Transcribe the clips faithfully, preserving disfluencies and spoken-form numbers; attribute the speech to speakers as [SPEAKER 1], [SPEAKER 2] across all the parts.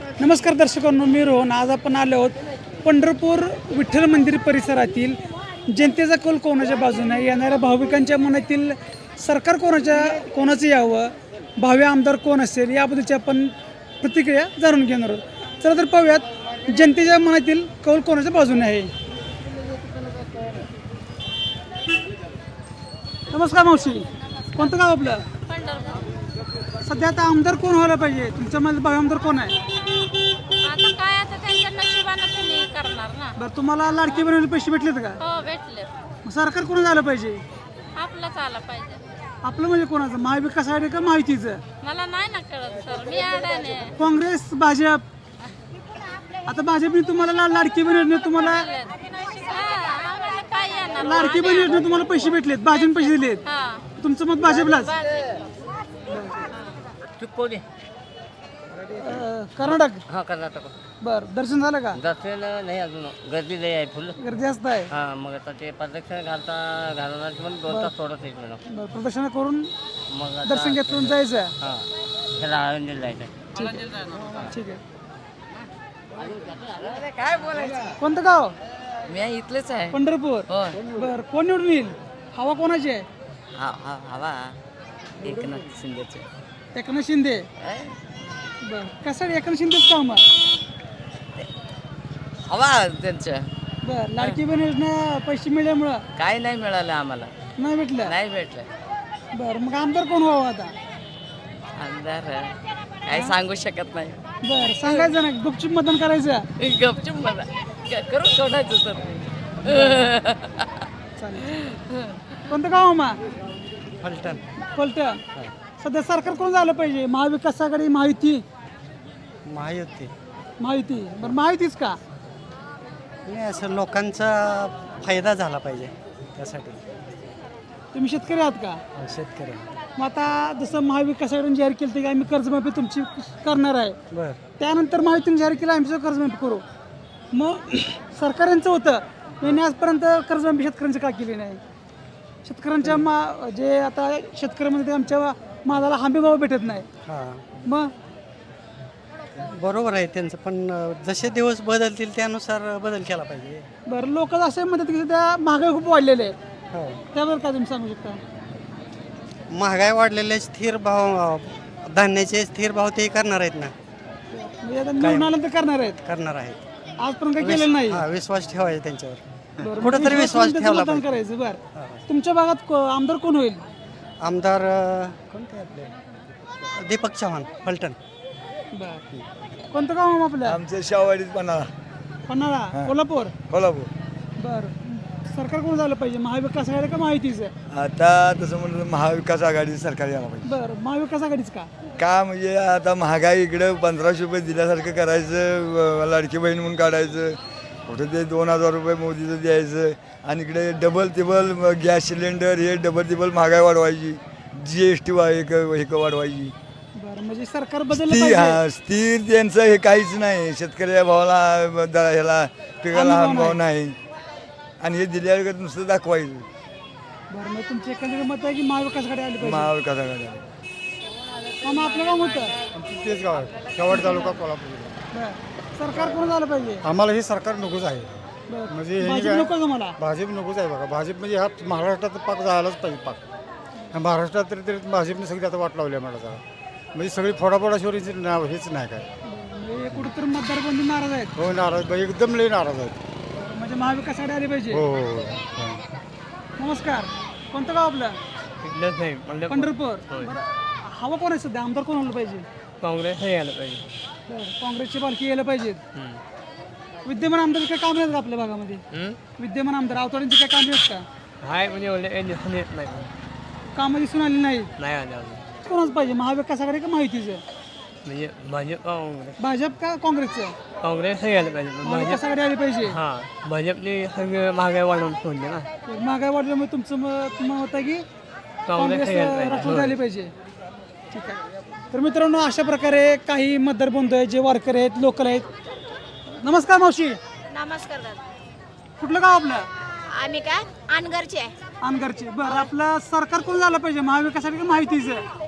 [SPEAKER 1] नमस्कार दर्शकांनो, मी रोहन. आज आपण आलो आहोत पंढरपूर विठ्ठल मंदिर परिसरातील जनतेचा कौल कोणाच्या बाजूने, येणाऱ्या भाविकांच्या मनातील सरकार कोणाच्या कोणाचं यावं, भावी आमदार कोण असेल याबद्दलची आपण प्रतिक्रिया जाणून घेणार आहोत. चला तर पाहूयात जनतेच्या मनातील कौल कोणाच्या बाजूने आहे. नमस्कार मावशी, कोणतं गाव आपलं? सध्या आता आमदार कोण व्हायला पाहिजे तुमच्या मध्ये? भावी आमदार कोण आहे?
[SPEAKER 2] आता काय आता त्यांच्या नशिबानं तुम्ही करणार ना.
[SPEAKER 1] बरं, तुम्हाला लाडकी बहिणीला पैसे भेटलेत का?
[SPEAKER 2] हो भेटले.
[SPEAKER 1] मग सरकार कोण झालं पाहिजे?
[SPEAKER 2] आपलंच आलं पाहिजे.
[SPEAKER 1] आपलं म्हणजे कोणाचं? महाविकास आघाडी का महायुतीचं?
[SPEAKER 2] मला नाही ना कळत सर, मी अडाणे.
[SPEAKER 1] काँग्रेस, भाजप. आता भाजपने तुम्हाला ला- लाडकी बहीण योजनेत तुम्हाला
[SPEAKER 2] हा, आम्हाला काय येणार?
[SPEAKER 1] लाडकी बहीण योजनेत तुम्हाला पैसे भेटलेत, भाजपने पैसे दिलेत.
[SPEAKER 2] हा,
[SPEAKER 1] तुमचं मत भाजपलाच?
[SPEAKER 3] तू कोण आहे?
[SPEAKER 1] अं, कर्नाटक.
[SPEAKER 3] हा कर्नाटक.
[SPEAKER 1] बर, दर्शन झालं का?
[SPEAKER 3] दसऱ्याला नाही अजून, गर्दी लई आहे फुल.
[SPEAKER 1] गर्दी असत आहे.
[SPEAKER 3] हा मग आता ते प्रदक्षिणा घालता घालणार पण दोन तास सोडत नाही म्हणून.
[SPEAKER 1] बरं, प्रदक्षिणा करून
[SPEAKER 3] मग आता
[SPEAKER 1] दर्शन घेतलं जायचं.
[SPEAKER 3] हा त्याला आळंदीला जायचं.
[SPEAKER 1] ठीक आहे. कोणतं गाव?
[SPEAKER 3] मी इथलेच आहे.
[SPEAKER 1] पंढरपूर. बर, कोण निवडून येईल? हवा कोणाची आहे?
[SPEAKER 3] हा हा हवा एकनाथ शिंदेचे.
[SPEAKER 1] एकनाथ शिंदे. बर, कसं एकनाथ शिंदेच काम?
[SPEAKER 3] हवा त्यांचं.
[SPEAKER 1] बर, लाडकी बहीण योजना पैसे मिळाल्यामुळं
[SPEAKER 3] काय नाही मिळालं आम्हाला,
[SPEAKER 1] नाही भेटलं.
[SPEAKER 3] नाही भेटलं.
[SPEAKER 1] बर, मग आमदार कोण व्हावं आता?
[SPEAKER 3] आमदार काय सांगू शकत नाही.
[SPEAKER 1] बर, सांगायचं ना, गुपचूप मतदान करायचं.
[SPEAKER 3] गपचूप मला करून सोडायचं तर.
[SPEAKER 1] चालेल. कोणतं गाव मा?
[SPEAKER 3] फलटण.
[SPEAKER 1] फलटण. सध्या सरकार कोण झालं पाहिजे? महाविकास आघाडी, महायुती?
[SPEAKER 4] महायुती.
[SPEAKER 1] महायुती. बरं, महायुतीच का?
[SPEAKER 4] नाही, असं लोकांचा फायदा झाला पाहिजे त्यासाठी.
[SPEAKER 1] तुम्ही शेतकरी आहात का?
[SPEAKER 4] शेतकरी.
[SPEAKER 1] मग आता जसं महाविकास आघाडीने जाहीर केलं की आम्ही कर्जमाफी तुमची करणार आहे,
[SPEAKER 4] बर.
[SPEAKER 1] त्यानंतर महायुतीने जाहीर केलं आम्ही सुद्धा कर्जमाफी करू. मग सरकार यांचं होतं, यांनी आजपर्यंत कर्जमाफी शेतकऱ्यांची का केली नाही? शेतकऱ्यांच्या मा जे आता शेतकऱ्यामध्ये ते आमच्या मालाला हमी भाव भेटत नाही.
[SPEAKER 4] हां,
[SPEAKER 1] मग
[SPEAKER 4] बरोबर आहे त्यांचं, पण अं, जसे दिवस बदलतील त्यानुसार बदल केला पाहिजे.
[SPEAKER 1] बरं, लोक असे म्हणतात की त्या महागाई खूप वाढलेले आहे,
[SPEAKER 4] हो,
[SPEAKER 1] त्यावर काय तुम्ही सांगू शकता?
[SPEAKER 4] महागाई वाढलेले स्थिर भाव, अं, धान्याचे स्थिर भाव ते करणार आहेत ना,
[SPEAKER 1] म्हणजे आता निवडून आल्यानंतर करणार आहेत,
[SPEAKER 4] करणार आहेत.
[SPEAKER 1] आजपर्यंत काही केलेलं नाही.
[SPEAKER 4] हा, विश्वास ठेवायचा त्यांच्यावर.
[SPEAKER 1] बरं,
[SPEAKER 4] कुठंतरी
[SPEAKER 1] मग
[SPEAKER 4] विश्वास
[SPEAKER 1] त्याचं
[SPEAKER 4] ठेवला
[SPEAKER 1] मतदान
[SPEAKER 4] पाहिजे.
[SPEAKER 1] करायचं. बरं, तुमच्या भागात को- आमदार कोण होईल?
[SPEAKER 4] आमदार अं, कोणते आपले? दीपक चव्हाण, फलटण.
[SPEAKER 1] बरं, कोणतं गाव आहे आपलं?
[SPEAKER 5] आमचं शाहवाडीत पन्हाळा,
[SPEAKER 1] पन्हाळा, कोल्हापूर.
[SPEAKER 5] कोल्हापूर.
[SPEAKER 1] बरं, सरकार कोण झालं पाहिजे? महाविकास आघाडी का महायुतीचं?
[SPEAKER 5] आता तसं म्हणलं महाविकास आघाडी सरकार यायला पाहिजे.
[SPEAKER 1] बरं, महाविकास आघाडीच का?
[SPEAKER 5] का म्हणजे आता महागाई इकडं पंधराशे रुपये दिल्यासारखं करायचं, व- लाडकी बहीण म्हणून काढायचं, कुठं ते दोन हजार रुपये मोदीचं द्यायचं, आणि इकडे डबल टिबल गॅस सिलेंडर हे डबल टिबल महागाई वाढवायची, जी एस टी वा एक एक वाढवायची.
[SPEAKER 1] बरं, म्हणजे सरकार बदललं
[SPEAKER 5] स्थिर
[SPEAKER 1] पाहिजे.
[SPEAKER 5] हा स्थिर त्यांचं हे काहीच नाही. शेतकऱ्या भावाला द- ह्याला पिकाला
[SPEAKER 1] हमी
[SPEAKER 5] हमी
[SPEAKER 1] भाव
[SPEAKER 5] भाव नाही, आणि हे दिल्यावर नुसतं दाखवायचं.
[SPEAKER 1] बरं, मग तुमचे एकंदरीत मत आहे की महाविकास आघाडी आली पाहिजे?
[SPEAKER 5] महाविकास आघाडी
[SPEAKER 1] मग आपलं काम होतं.
[SPEAKER 6] तेच गाव आहे, शेवट तालुका कोल्हापूर.
[SPEAKER 1] बरं, सरकार कोण झालं पाहिजे?
[SPEAKER 6] आम्हाला हे सरकार नकोच आहे.
[SPEAKER 1] बरं,
[SPEAKER 6] म्हणजे हे
[SPEAKER 1] भाजप
[SPEAKER 6] काय-
[SPEAKER 1] नको का मला?
[SPEAKER 6] भाजप नकोच आहे बघा. भाजप म्हणजे हा महाराष्ट्रात पाक जायलाच पाहिजे पाक. आणि महाराष्ट्रात तरी तरी भाजपने सगळी आता वाट लावली आहे मला जरा. म्हणजे सगळी फोडाफोडाशिवाय हिचं नाव हेच नाही काय.
[SPEAKER 1] म्हणजे कुठेतरी मतदारबंदी नाराज आहेत.
[SPEAKER 6] हो, नाराज बाई, एकदम लई नाराज आहेत.
[SPEAKER 1] बरं, म्हणजे महाविकास आघाडी आली पाहिजे.
[SPEAKER 6] हो हो हो.
[SPEAKER 1] नमस्कार, कोणतं गाव आपलं?
[SPEAKER 3] नाही
[SPEAKER 1] पंढरपूर. बरं, हवा कोण आहे सध्या? आमदार कोण आलं पाहिजे?
[SPEAKER 3] काँग्रेस हे यायला पाहिजे.
[SPEAKER 1] बरं, काँग्रेसची पालखी यायला पाहिजेत. विद्यमान आमदार काय काम आहेत का आपल्या भागामध्ये? विद्यमान आमदार आवताड्यांची काय काम आहेत का?
[SPEAKER 3] हाय म्हणजे एवढे येत नाही,
[SPEAKER 1] कामं दिसून आली नाही.
[SPEAKER 3] नाही आले अजून.
[SPEAKER 1] कोणाच पाहिजे? महाविकास आघाडी का महायुतीचं?
[SPEAKER 3] म्हणजे भाजप काँग्रेस
[SPEAKER 1] भाजप का काँग्रेसचं?
[SPEAKER 3] काँग्रेस हे यायला पाहिजे.
[SPEAKER 1] महाविकास आघाडी आली पाहिजे.
[SPEAKER 3] हां, भाजपने सगळं महागाई वाढवून सोडली ना.
[SPEAKER 1] महागाई वाढल्यामुळे तुमचं मत मत होतं की काँग्रेस राष्ट्रवादी आली पाहिजे. ठीक आहे. तर मित्रांनो, अशा प्रकारे काही मतदार बंधू आहेत, जे वारकरी आहेत, लोकल आहेत. नमस्कार मावशी,
[SPEAKER 2] नमस्कार दादा.
[SPEAKER 1] कुठलं गाव आपलं?
[SPEAKER 2] आम्ही काय अनगरचे आहे.
[SPEAKER 1] अनगरचे. बरं, आपलं सरकार कोण झालं पाहिजे? महाविकास आघाडी का महायुतीचं?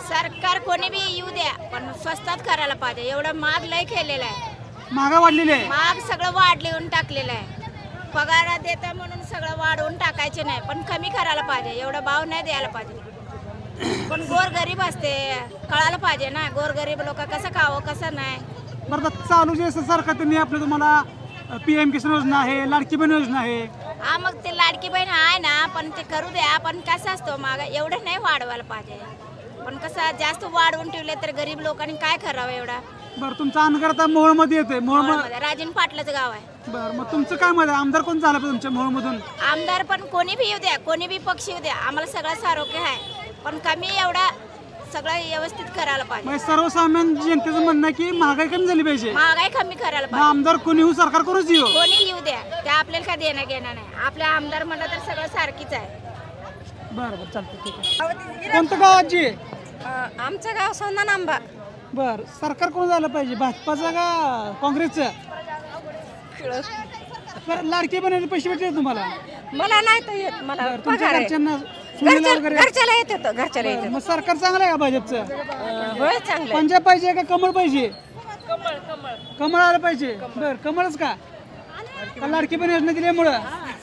[SPEAKER 2] सरकार कोणी बी येऊ द्या पण स्वस्तात करायला पाहिजे. एवढं महाग लय केलेलं आहे.
[SPEAKER 1] महागा वाढलेली आहे.
[SPEAKER 2] महाग सगळं वाढवून टाकलेलं आहे. पगार देता म्हणून सगळं वाढवून टाकायचे नाही पण कमी करायला पाहिजे. एवढा भाव नाही द्यायला पाहिजे. पण गोरगरीब असते कळायला पाहिजे ना. गोरगरीब लोक कसं खावं कसं नाही.
[SPEAKER 1] बरं आता चालू जे सरकार त्यांनी आपलं तुम्हाला पी एम किसान योजना आहे, लाडकी बहीण योजना आहे.
[SPEAKER 2] हा मग ते लाडकी बहीण आहे ना पण ते करू द्या. पण कसं असतं माग एवढं नाही वाढवायला पाहिजे. पण कसं जास्त वाढवून ठेवले तर गरीब लोकांनी काय करावं एवढा.
[SPEAKER 1] बरं तुमचं अनगर आता मोहोळमध्ये येते. मोहोळ
[SPEAKER 2] मोहोळमध्ये राजन पाटलाचं गाव आहे.
[SPEAKER 1] बरं मग तुमचं काय मत आहे? आमदार कोण झालं पाहिजे तुमच्या मोहोळमधून?
[SPEAKER 2] आमदार पण कोणी बी येऊ द्या कोणी बी पक्ष येऊ द्या आम्हाला सगळं सारोग्य आहे. पण कमी एवढा सगळं व्यवस्थित करायला पाहिजे.
[SPEAKER 1] म्हणजे सर्वसामान्य जनतेचं म्हणणं आहे की महागाई कमी झाली पाहिजे.
[SPEAKER 2] महागाई कमी करायला
[SPEAKER 1] मग
[SPEAKER 2] पाहिजे.
[SPEAKER 1] आमदार कोणी होऊ सरकार करूच येऊ.
[SPEAKER 2] कोणी येऊ द्या ते आपल्याला काय देणं घेणं नाही. आपल्या आमदार म्हणलं तर सगळं सारखीच आहे.
[SPEAKER 1] बरं बरं चालतं ठीक आहे. कोणतं गाव आजी?
[SPEAKER 7] आमचं गाव सोना नांबा.
[SPEAKER 1] बर सरकार कोण झालं पाहिजे? भाजपाचं का काँग्रेसचं? बरं, लाडकी बहिणीचे पैसे भेटले तुम्हाला?
[SPEAKER 7] मला नाही तर येत. मला
[SPEAKER 1] बरं, तुमच्या
[SPEAKER 7] पगार आहे.
[SPEAKER 1] घरच्यांना सुनेला
[SPEAKER 7] घरच्या-
[SPEAKER 1] वगैरे?
[SPEAKER 7] घरच्याला येत होतं घरच्याला येत
[SPEAKER 1] बरं, मग सरकार चांगलं आहे का भाजपचं?
[SPEAKER 7] होतं. होय चांगलं
[SPEAKER 1] पंजाब पाहिजे का कमळ पाहिजे? कमळ आलं पाहिजे. बर कमळच का? का लाडकी बहीण योजना दिल्यामुळं?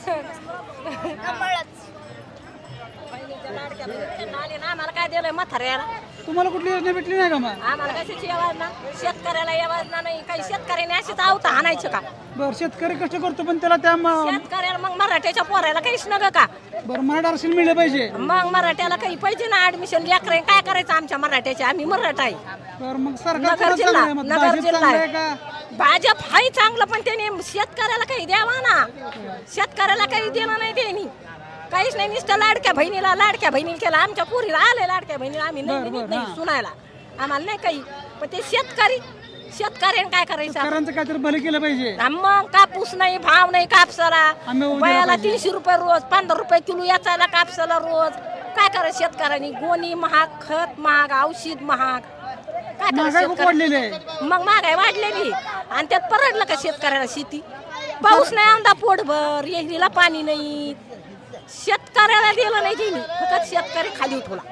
[SPEAKER 7] आम्हाला काय दिलंय म्हाताऱ्याला?
[SPEAKER 1] तुम्हाला कुठली योजना भेटली नाही का मग?
[SPEAKER 7] आम्हाला कशाची योजना? शेतकऱ्याला योजना नाही. काही शेतकऱ्याने अशीच आवता आणायचं का?
[SPEAKER 1] बरं शेतकरी कष्ट करतो पण त्याला त्या म-
[SPEAKER 7] शेतकऱ्याला मग मराठ्याच्या पोरायला काहीच नग का?
[SPEAKER 1] बरं मराठा आरक्षण मिळलं पाहिजे.
[SPEAKER 7] मग मराठ्याला काही पाहिजे ना ऍडमिशन. लेकरे काय करायचं आमच्या मराठ्याचे? आम्ही मराठा आहे.
[SPEAKER 1] बरं मग सरकार
[SPEAKER 7] नगर
[SPEAKER 1] कोणाचं
[SPEAKER 7] जिल्हा
[SPEAKER 1] चांगलं आहे? मग
[SPEAKER 7] नगर
[SPEAKER 1] भाजप
[SPEAKER 7] जिल्हा
[SPEAKER 1] चांगलं आहे
[SPEAKER 7] आहे.
[SPEAKER 1] का?
[SPEAKER 7] भाजप हाय चांगलं पण त्याने शेतकऱ्याला काही द्यावा ना. शेतकऱ्याला काही देणं नाही त्यांनी. काहीच नाही. नुसतं लाडक्या बहिणीला लाडक्या बहिणीला केला. आमच्या पुरीला आले लाडक्या बहिणीला. आम्ही नाही
[SPEAKER 1] बरं,
[SPEAKER 7] देत
[SPEAKER 1] बरं,
[SPEAKER 7] नाही
[SPEAKER 1] हां.
[SPEAKER 7] सुनायला. आम्हाला नाही काही. पण ते शेतकरी शेतकऱ्याने काय करायचं?
[SPEAKER 1] शेतकऱ्यांचं काहीतरी भलं केलं पाहिजे.
[SPEAKER 7] आणि मग कापूस नाही भाव नाही कापसाला.
[SPEAKER 1] आम्ही उद्या
[SPEAKER 7] बायाला
[SPEAKER 1] पाहिजे.
[SPEAKER 7] तीनशे रुपये रोज पंधरा रुपये किलो याचायला कापसाला रोज. काय करायचं शेतकऱ्यांनी? गोणी महाग, खत महाग, औषध महाग. काय
[SPEAKER 1] महागाई खूप
[SPEAKER 7] करायचं
[SPEAKER 1] वाढलेली आहे.
[SPEAKER 7] मग महागाई वाढलेली. आणि त्यात परवडलं का शेतकऱ्याला शेती? पाऊस नाही आमदा पोटभर. येहरीला पाणी नाही. शेतकऱ्याला दिलं नाही त्यांनी. फक्त शेतकरी खाली उठवला.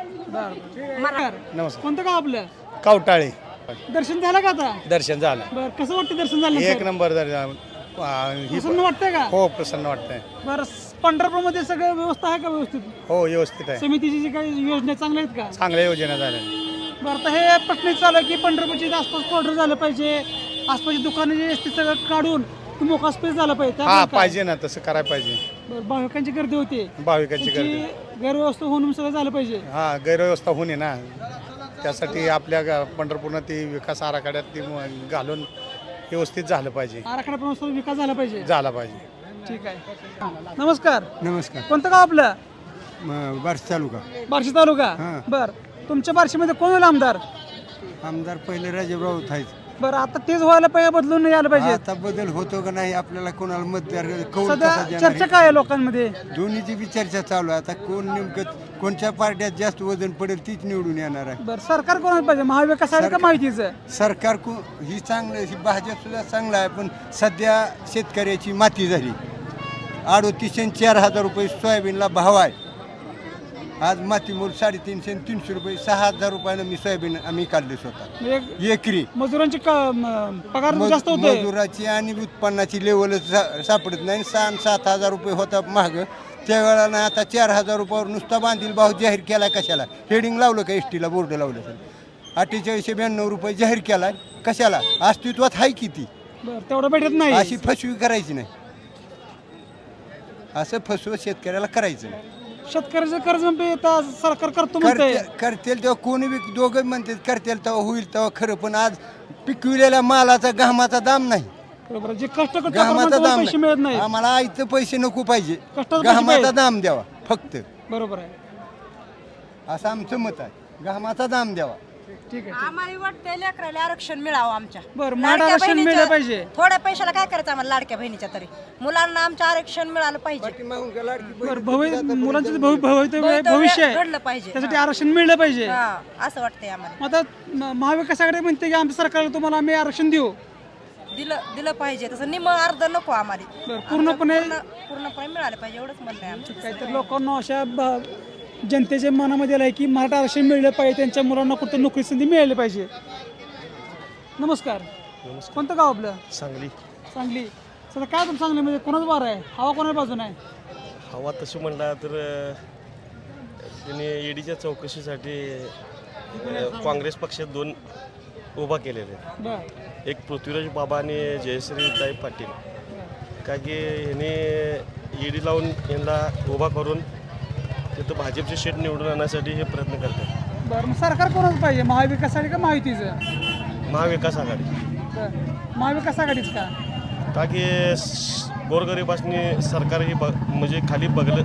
[SPEAKER 1] बरं
[SPEAKER 8] नमस्कार.
[SPEAKER 1] कोणतं गाव आपलं?
[SPEAKER 8] कावटाळे.
[SPEAKER 1] दर्शन झालं का आता?
[SPEAKER 8] दर्शन झालं.
[SPEAKER 1] बरं कसं वाटतं दर्शन झालं
[SPEAKER 8] एक
[SPEAKER 1] नंतर?
[SPEAKER 8] नंबर दर्शन. आ, ही
[SPEAKER 1] प्रसन्न वाटतंय का?
[SPEAKER 8] हो प्रसन्न वाटतंय.
[SPEAKER 1] बरं पंढरपूरमध्ये सगळं व्यवस्था आहे का व्यवस्थित?
[SPEAKER 8] हो व्यवस्थित आहे.
[SPEAKER 1] समितीची जी काही योजना चांगल्या आहेत का?
[SPEAKER 8] चांगल्या योजना झाल्या.
[SPEAKER 1] बरं आता हे प्रश्न चालू आहे की पंढरपूरच्या आसपास कॉर्डर झालं पाहिजे. आसपासची दुकानं जे असते सगळं काढून मोका स्पेस झाला पाहिजे.
[SPEAKER 8] हा
[SPEAKER 1] त्यामुळे काय?
[SPEAKER 8] पाहिजे ना तसं करायला पाहिजे.
[SPEAKER 1] बरं भाविकांची गर्दी होती.
[SPEAKER 8] भाविकांची
[SPEAKER 1] त्याची
[SPEAKER 8] गर्दी.
[SPEAKER 1] गैरव्यवस्था होऊन सगळं झालं पाहिजे.
[SPEAKER 8] हा गैरव्यवस्था होणे ना. त्यासाठी आपल्या गा- पंढरपूरनं ती विकास आराखड्यात ती म- घालून व्यवस्थित झालं पाहिजे.
[SPEAKER 1] आराखड्याप्रमाणे विकास झाला पाहिजे.
[SPEAKER 8] झाला पाहिजे.
[SPEAKER 1] ठीक आहे. नमस्कार.
[SPEAKER 9] नमस्कार.
[SPEAKER 1] कोणतं गाव आपलं?
[SPEAKER 9] म- बार्शी तालुका.
[SPEAKER 1] बार्शी तालुका.
[SPEAKER 9] हां.
[SPEAKER 1] बरं तुमच्या बार्शीमध्ये कोण होईल आमदार?
[SPEAKER 9] आमदार पहिले राजेबराव आहेत.
[SPEAKER 1] बरं आता तेच व्हायला पाहिजे बदलून यायला पाहिजे.
[SPEAKER 9] आता बदल होतो का नाही आपल्याला कोणाला मतदार कौल
[SPEAKER 1] सध्या
[SPEAKER 9] कसा देणार
[SPEAKER 1] चर्चा
[SPEAKER 9] आहे?
[SPEAKER 1] काय आहे लोकांमध्ये?
[SPEAKER 9] दोन्हीची बी चर्चा चालू आहे. आता कोण नेमकं कोणत्या पार्ट्यात जास्त वजन पडेल तीच निवडून येणार आहे.
[SPEAKER 1] बरं सरकार कोणाला पाहिजे? महाविकास आघाडी का
[SPEAKER 9] सरकार-
[SPEAKER 1] माहितीचं?
[SPEAKER 9] सरकार को ही चांगलं ही भाजप सुद्धा चांगलं आहे पण सध्या शेतकऱ्याची माती झाली. अडोतीसशे आणि चार हजार रुपये सोयाबीनला भाव आहे. आज माती मूल साडेतीनशे आणि तीनशे रुपये सहा हजार रुपयानं मी सोयाबीन आम्ही काढले स्वतः
[SPEAKER 1] म्हणजे
[SPEAKER 9] एकरी.
[SPEAKER 1] मजुरांची क- म- पगार
[SPEAKER 9] मज-
[SPEAKER 1] जास्त होते.
[SPEAKER 9] मजुराची आणि उत्पन्नाची लेवलच सा- सापडत नाही. सहा आणि सात हजार रुपये होता महाग त्यावेळेला ना आता चार हजार रुपयावर नुसता बांधील भाव जाहीर केला. कशाला? हेडिंग लावलं का? एस टीला बोर्ड लावलं तर अठ्ठेचाळीसशे ब्याण्णव रुपये जाहीर केला. कशाला? अस्तित्वात आहे किती?
[SPEAKER 1] बरं तेवढं भेटत नाही.
[SPEAKER 9] अशी फसवी करायची नाही. असं फसवं शेतकऱ्याला करायचं नाही.
[SPEAKER 1] शेतकऱ्याचं कर्ज म्हणजे आता सरकार करतो म्हणतंय.
[SPEAKER 9] करते- करतील तेव्हा कोणी बी दोघं म्हणतात करतील तेव्हा होईल तेव्हा खरं. पण आज पिकविलेल्या मालाचा घामाचा दाम नाही.
[SPEAKER 1] बरोबर जे कष्ट करतो त्याप्रमाणे
[SPEAKER 9] घामाचा
[SPEAKER 1] तुम्हाला
[SPEAKER 9] दाम
[SPEAKER 1] पैसे मिळत
[SPEAKER 9] नाही.
[SPEAKER 1] नाही.
[SPEAKER 9] आम्हाला आईचं पैसे नको पाहिजे.
[SPEAKER 1] कष्टाचं पैसे
[SPEAKER 9] घामाचा
[SPEAKER 1] पाहिजे.
[SPEAKER 9] दाम द्यावा फक्त.
[SPEAKER 1] बरोबर आहे.
[SPEAKER 9] असं आमचं मत आहे. घामाचा दाम द्यावा.
[SPEAKER 1] ठीक आहे.
[SPEAKER 7] आम्हाला वाटतंय लेकराला आरक्षण मिळावं आमच्या.
[SPEAKER 1] बरं मराठा आरक्षण मिळलं पाहिजे.
[SPEAKER 7] थोड्या पैशाला काय करायचं आम्हाला लाडक्या बहिणीच्या तरी? मुलांना आमचं आरक्षण मिळालं पाहिजे.
[SPEAKER 1] बरं भवि मुलांचं जे भवि- भवितव्य भविष्य आहे
[SPEAKER 7] घडलं पाहिजे.
[SPEAKER 1] त्यासाठी आरक्षण मिळलं पाहिजे.
[SPEAKER 7] हा, असं वाटतंय आम्हाला.
[SPEAKER 1] मग आता म- महाविकास आघाडी म्हणते की आमच्या सरकारला तुम्हाला आम्ही आरक्षण देऊ.
[SPEAKER 7] दिलं दिलं पाहिजे तसं निम अर्ध नको आम्हाला.
[SPEAKER 1] बरं पूर्णपणे
[SPEAKER 7] पूर्ण- पूर्णपणे मिळालं पाहिजे एवढंच म्हणणं आहे आमचं.
[SPEAKER 1] काहीतरी लोकांना अशा ब- जनतेच्या मनामध्ये आलं आहे की मराठा आरक्षण मिळलं पाहिजे, त्यांच्या मुलांना कुठं नोकरी संधी मिळाली पाहिजे. नमस्कार. कोणतं गाव आपलं?
[SPEAKER 10] सांगली.
[SPEAKER 1] सांगली. सध्या काय तुम सांगलीमध्ये कोणाच वार आहे, हवा कोणाच्या बाजून आहे?
[SPEAKER 10] हवा तशी म्हणला तर त्यांनी ईडीच्या चौकशीसाठी अ, काँग्रेस पक्षात दोन उभा केलेले आहेत.
[SPEAKER 1] बर
[SPEAKER 10] एक पृथ्वीराज बाबा आणि जयश्रीताई पाटील. का की ह्याने ईडी लावून यांना उभा करून तिथं भाजपची सीट निवडून आणण्यासाठी हे प्रयत्न करतात.
[SPEAKER 1] बरं, मग सरकार कोणाच पाहिजे, महाविकास आघाडी का महायुतीचं?
[SPEAKER 10] महाविकास आघाडी.
[SPEAKER 1] बरं, महाविकास आघाडीच का?
[SPEAKER 10] का की स- गोरगरिबासनी सरकार ही ब म्हणजे खाली बघलं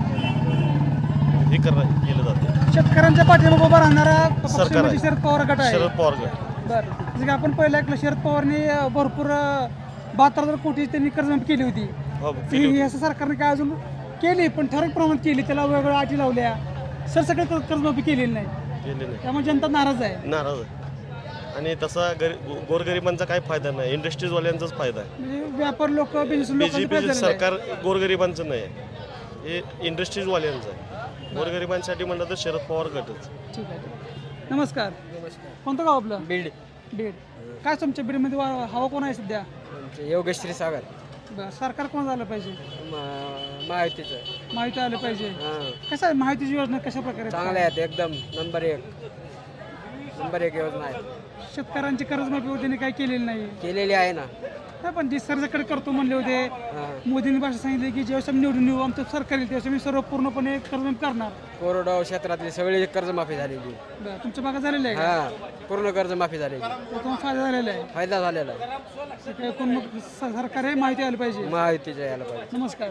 [SPEAKER 10] हे कर केलं जातं.
[SPEAKER 1] शेतकऱ्यांच्या पाठीमागे उभा राहणारा पक्ष
[SPEAKER 10] सरकार
[SPEAKER 1] म्हणजे
[SPEAKER 10] आहे.
[SPEAKER 1] शरद पवार गट आहे.
[SPEAKER 10] शरद पवार गट.
[SPEAKER 1] बरं, म्हणजे आपण पहिलं ऐकलं शरद पवारने अं, भरपूर बहात्तर हजार कोटी त्यांनी कर्जमाफी केली होती.
[SPEAKER 10] हो,
[SPEAKER 1] ती
[SPEAKER 10] केली होती.
[SPEAKER 1] ही असं सरकारने काय अजून केली, पण ठराविक प्रमाणात केली, त्याला वेगवेगळ्या अटी लावल्या, सर सगळे कर्ज- कर्जमाफी केलेली नाही,
[SPEAKER 10] केली नाही.
[SPEAKER 1] त्यामुळे जनता नाराज आहे.
[SPEAKER 10] नाराज आहे. आणि तसा गरी गो- गोरगरिबांचा काही फायदा नाही, इंडस्ट्रीजवाल्यांचाच फायदा आहे.
[SPEAKER 1] म्हणजे व्यापार लोक बिझनेस
[SPEAKER 10] बीजेपी सरकार गोरगरिबांचं नाही आहे, हे इंडस्ट्रीजवाल्यांचं आहे. गोरगरिबांसाठी म्हणलं तर शरद पवार गटच.
[SPEAKER 1] ठीक आहे. नमस्कार. कोणतं गाव आपलं?
[SPEAKER 3] बीड.
[SPEAKER 1] बीड. काय तुमच्या बीडमध्ये वा- हवा कोण आहे सध्या?
[SPEAKER 3] योगेश क्षीरसागर.
[SPEAKER 1] बरं, सरकार कोण झालं पाहिजे?
[SPEAKER 3] महायुतीचं.
[SPEAKER 1] माहिती आलं पाहिजे.
[SPEAKER 3] हां,
[SPEAKER 1] कसं आहे माहितीची योजना कशा प्रकारे
[SPEAKER 3] चांगले आहेत एकदम. नंबर एक नंबर एक योजना आहे.
[SPEAKER 1] शेतकऱ्यांची कर्जमाफी त्यांनी काही केलेली नाही.
[SPEAKER 3] केलेली आहे ना.
[SPEAKER 1] नाही, पण जी सरकारकडे करतो म्हणले होते,
[SPEAKER 3] हां,
[SPEAKER 1] मोदींनी भाषा सांगितले की जेव्हा आम्ही निवडून येऊ आमचं सरकार येईल त्यावेळेस मी सर्व पूर्णपणे कर्जमाफी करणार.
[SPEAKER 3] कोरडवाहू क्षेत्रातली सगळी कर्जमाफी झालेली.
[SPEAKER 1] बरं, तुमच्या भागात झालेलं आहे का?
[SPEAKER 3] हां, पूर्ण कर्जमाफी झालेली.
[SPEAKER 1] त्यातून फायदा झालेला आहे.
[SPEAKER 3] फायदा झालेला आहे.
[SPEAKER 1] सगळे कोण मग स- सरकार आहे माहिती आली पाहिजे.
[SPEAKER 3] महायुतीच्या यायला पाहिजे.
[SPEAKER 1] नमस्कार.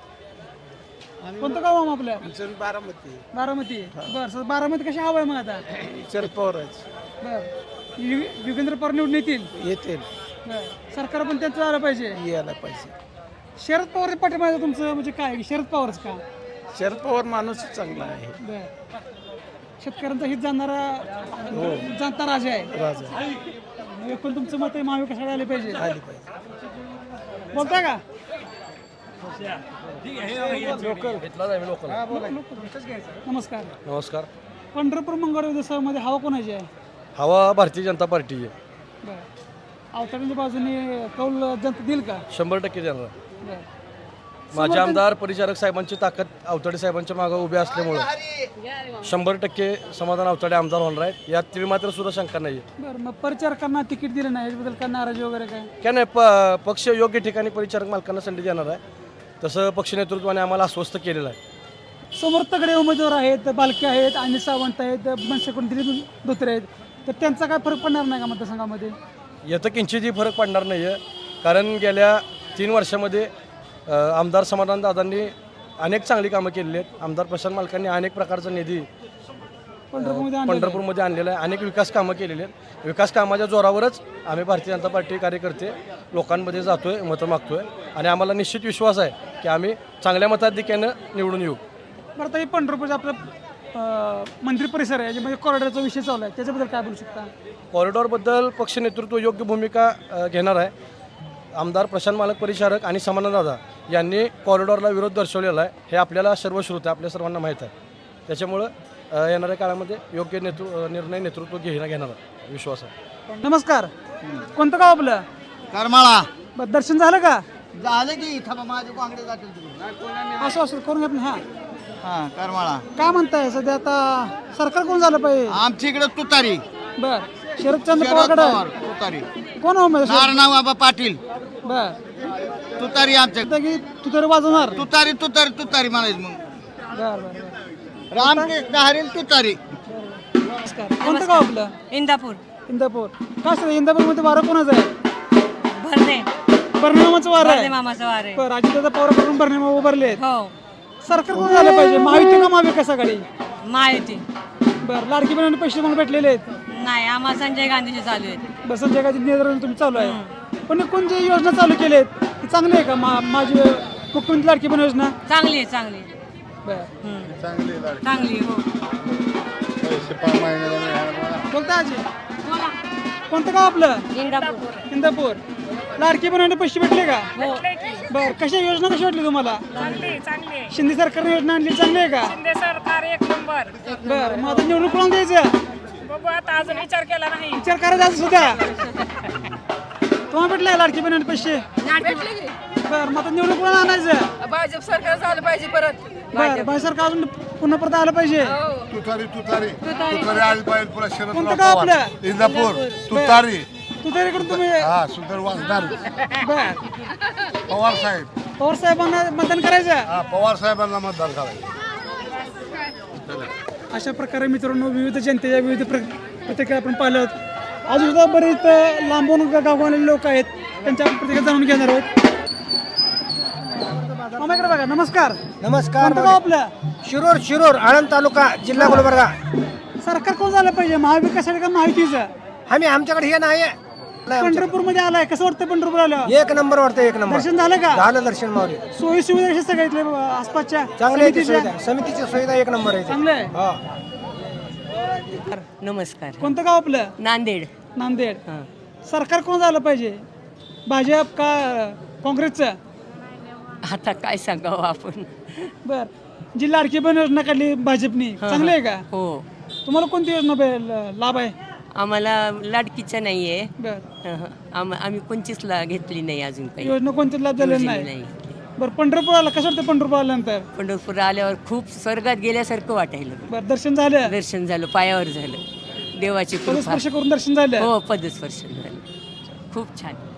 [SPEAKER 1] कोणतं गाव आहे आपलं?
[SPEAKER 6] बारामती.
[SPEAKER 1] बारामती. बरं, सर बारामती कशी हवा आहे मग आता?
[SPEAKER 6] शरद पवारच
[SPEAKER 1] बरं, यु- युगेंद्र पवार निवडून येतील.
[SPEAKER 6] येतील,
[SPEAKER 1] बरं, सरकार पण त्यांचं आलं पाहिजे.
[SPEAKER 6] यायला पाहिजे.
[SPEAKER 1] शरद पवार पाठिंबा तुमचं म्हणजे काय, शरद पवारच का?
[SPEAKER 6] शरद पवार माणूस चांगला आहे.
[SPEAKER 1] बरं, शेतकऱ्यांचा हित जाणणारा जाणता राजा आहे.
[SPEAKER 6] राजा
[SPEAKER 1] एकूण तुमचं मत आहे महाविकास आघाडी आले पाहिजे.
[SPEAKER 6] आली पाहिजे.
[SPEAKER 1] बोलताय का? नमस्कार.
[SPEAKER 11] नमस्कार.
[SPEAKER 1] पंढरपूर मंगळवार उत्सवामध्ये हवा कोणाची आहे?
[SPEAKER 11] हवा भारतीय जनता पार्टी आहे.
[SPEAKER 1] बरं, अवतरण्याच्या बाजूने कौल जनता देईल का?
[SPEAKER 11] शंभर टक्के देणार.
[SPEAKER 1] बरं,
[SPEAKER 11] माझे आमदार परिचारक साहेबांची ताकद अवताडे साहेबांच्या मागे उभे असल्यामुळं शंभर टक्के समाधान अवताडे आमदार होणार आहेत, यात तिळ मात्र सुद्धा शंका नाही आहे.
[SPEAKER 1] बरं, मग परिचारकांना तिकीट दिलं नाही याच्याबद्दल काय नाराजी वगैरे काय?
[SPEAKER 11] काय नाही, प पक्ष योग्य ठिकाणी परिचारक मालकांना संधी देणार आहे, तसं पक्ष नेतृत्वाने आम्हाला आश्वस्त केलेलं आहे.
[SPEAKER 1] समोर तगडे उमेदवार आहेत, बालके आहेत, अनिल सावंत आहेत, मनसेकडून दिलीप धोत्रे आहेत, तर त्यांचा काय फरक पडणार नाही का मतदारसंघामध्ये?
[SPEAKER 11] याचं किंचितही फरक पडणार नाही आहे, कारण गेल्या तीन वर्षामध्ये अ, आमदार समाधानदादांनी अनेक चांगली कामं केलेली आहेत. आमदार प्रशांत मालकांनी अनेक प्रकारचा निधी
[SPEAKER 1] पंढरपूरमध्ये आणलेलं आहे.
[SPEAKER 11] पंढरपूरमध्ये आणलेलं आहे, अनेक विकास कामं केलेली आहेत. विकास कामाच्या जोरावरच आम्ही भारतीय जनता पार्टी कार्यकर्ते लोकांमध्ये जातोय, मतं मागतोय आणि आम्हाला निश्चित विश्वास आहे की आम्ही चांगल्या मताधिक्यानं निवडून येऊ.
[SPEAKER 1] बरं, आता हे पंढरपूरचं आपलं अं, मंदिर परिसर आहे म्हणजे कॉरिडॉरचा विषय चालू आहे, त्याच्याबद्दल काय बोलू शकता?
[SPEAKER 11] कॉरिडॉरबद्दल पक्ष नेतृत्व योग्य भूमिका अ, घेणार आहे. आमदार प्रशांत मालक परिचारक आणि समाधानदादा यांनी कॉरिडॉरला विरोध दर्शवलेला आहे, हे आपल्याला सर्वश्रुत आहे, आपल्या सर्वांना माहीत आहे. त्याच्यामुळं अ, येणाऱ्या काळामध्ये योग्य नेतृ निर्णय नेतृत्व घेणं घेणार आहे, विश्वास आहे.
[SPEAKER 1] नमस्कार. कोणतं गाव आपलं?
[SPEAKER 9] करमाळा.
[SPEAKER 1] बरं, दर्शन झालं का?
[SPEAKER 9] झालं की इथं माझे काँग्रेस जातील तिकडून.
[SPEAKER 1] असं असं करून घेत हां
[SPEAKER 9] हां, करमाळा.
[SPEAKER 1] काय म्हणताय सध्या आता सरकार कोण झालं पाहिजे?
[SPEAKER 9] आमच्या इकडे तुतारी.
[SPEAKER 1] बर, शरदचंद्र
[SPEAKER 9] शरद
[SPEAKER 1] पवारकडे
[SPEAKER 9] पवार तुतारी.
[SPEAKER 1] कोण हो म्हणजे?
[SPEAKER 9] नारायण बाबा पाटील
[SPEAKER 1] बर,
[SPEAKER 9] तुतारी आमच्या.
[SPEAKER 1] आता की तू तरी वाजवणार?
[SPEAKER 9] तुतारी तुतारी तुतारी म्हणायचं मग.
[SPEAKER 1] बर बर बर.
[SPEAKER 9] रामकृष्ण हरील तुतारी.
[SPEAKER 1] नमस्कार. कोणतं गाव आपलं?
[SPEAKER 7] इंदापूर.
[SPEAKER 1] इंदापूर. काय सर इंदापूरमध्ये वारं कोणाचं आहे?
[SPEAKER 7] भरणे.
[SPEAKER 1] बर्नेमाचं वारं आहे.
[SPEAKER 7] मामाचं वार आहे.
[SPEAKER 1] बरं, अजितदादा पवारकडून बर्नेमा उभारले आहेत.
[SPEAKER 7] हो,
[SPEAKER 1] सरकार कोण झालं पाहिजे, महायुती का महाविकास आघाडी?
[SPEAKER 7] महायुती.
[SPEAKER 1] बरं, लाडकी बहिणी पैसे म्हणून भेटलेले आहेत.
[SPEAKER 7] नाही, आम्हाला संजय गांधीचे चालू आहेत.
[SPEAKER 1] बस संजय गांधी नेतृत्वाने तुम्ही चालू आहे, पण कोण जे योजना चालू केली आहेत ती चांगली आहे का? मा माझी मुख्यमंत्री लाडकी बहीण योजना
[SPEAKER 7] चांगली आहे, चांगली आहे.
[SPEAKER 1] बरं,
[SPEAKER 7] चांगली हो.
[SPEAKER 1] बोलता आजी. कोणतं गाव आपलं?
[SPEAKER 7] इंदापूर.
[SPEAKER 1] इंदापूर. लाडकी बहिणी पैसे भेटले का?
[SPEAKER 7] हो.
[SPEAKER 1] बर कशा योजना कशी वाटली तुम्हाला
[SPEAKER 7] चांगली चांगली
[SPEAKER 1] शिंदे सरकारने योजना आणली चांगली आहे का
[SPEAKER 7] शिंदे सरकार एक नंबर
[SPEAKER 1] बर मग आता निवडणूक कोणाला द्यायचं
[SPEAKER 7] बघू आता अजून विचार केला नाही
[SPEAKER 1] विचार करायचा आज सुद्धा तुम्हाला भेटलाय लाडकी बहिणी पैसे बर मग आता निवडणूक कोणाला आणायचं
[SPEAKER 7] भाजप सरकार झालं पाहिजे परत
[SPEAKER 1] बर भाई सरकार अजून पुन्हा परत आलं पाहिजे
[SPEAKER 6] तुतारी तुतारी तुतारी आली पाहिजे पुन्हा शरद
[SPEAKER 1] कोणतं गाव आपलं
[SPEAKER 6] इंदापूर तुतारी
[SPEAKER 1] तू तरीकडून तुम्ही
[SPEAKER 6] हा सुंदर वासदार
[SPEAKER 1] बर
[SPEAKER 6] पवार साहेब
[SPEAKER 1] पवार साहेबांना मतदान करायचं
[SPEAKER 6] हा पवार साहेबांना मतदान करायचं.
[SPEAKER 1] अशा प्रकारे मित्रांनो विविध जनतेच्या विविध प्र प्रतिक्रिया आपण पाहिलं अजून सुद्धा बरेच लांबून गावगावले लोक आहेत त्यांच्या प्रतिक्रिया जाणून घेणार आहोत. मामा इकडे बघा नमस्कार
[SPEAKER 12] नमस्कार
[SPEAKER 1] कोणतं गाव आपलं
[SPEAKER 12] शिरूर शिरूर आळंद तालुका जिल्हा गुलबर्गा.
[SPEAKER 1] सरकार कोण झालं पाहिजे महाविकास आघाडी का महायुतीचं
[SPEAKER 12] आम्ही आमच्याकडे हे नाही
[SPEAKER 1] पंढरपूर मध्ये आलाय कसं वाटतं पंढरपूर आलं
[SPEAKER 12] एक नंबर वाटतं एक नंबर
[SPEAKER 1] दर्शन झालं का
[SPEAKER 12] झालं दर्शन मावली
[SPEAKER 1] सोयी सुविधा कशा सगळ्या इथल्या आसपासच्या
[SPEAKER 12] चांगली आहे ती
[SPEAKER 1] समितीच्या?
[SPEAKER 12] सुविधा समितीची सुविधा एक नंबर आहे ती.
[SPEAKER 1] चांगलं आहे
[SPEAKER 12] हा
[SPEAKER 7] नमस्कार
[SPEAKER 1] कोणतं गाव आपलं
[SPEAKER 7] नांदेड
[SPEAKER 1] नांदेड सरकार कोण झालं पाहिजे भाजप का काँग्रेसचं
[SPEAKER 7] आता काय सांगावं आपण
[SPEAKER 1] बर जी लाडकी बहीण योजना काढली भाजपनी चांगली आहे का
[SPEAKER 7] हो
[SPEAKER 1] तुम्हाला कोणती योजना बे- लाभ आहे
[SPEAKER 7] आम्हाला लाडकीचं नाही आहे
[SPEAKER 1] बर
[SPEAKER 7] आम्ही कोणचीच ला घेतली नाही अजून काही
[SPEAKER 1] योजना कोणतीच लाभ झालेला नाही
[SPEAKER 7] नाही
[SPEAKER 1] बरं पंढरपूर आला कसं वाटतं पंढरपूर आल्यानंतर
[SPEAKER 7] पंढरपूर आल्यावर खूप स्वर्गात गेल्यासारखं वाटायला
[SPEAKER 1] बरं दर्शन झालं
[SPEAKER 7] दर्शन झालं पायावर झालं देवाची कृपा
[SPEAKER 1] पदस्पर्श करून दर्शन झालं
[SPEAKER 7] हो पदस्पर्शन झालं खूप छान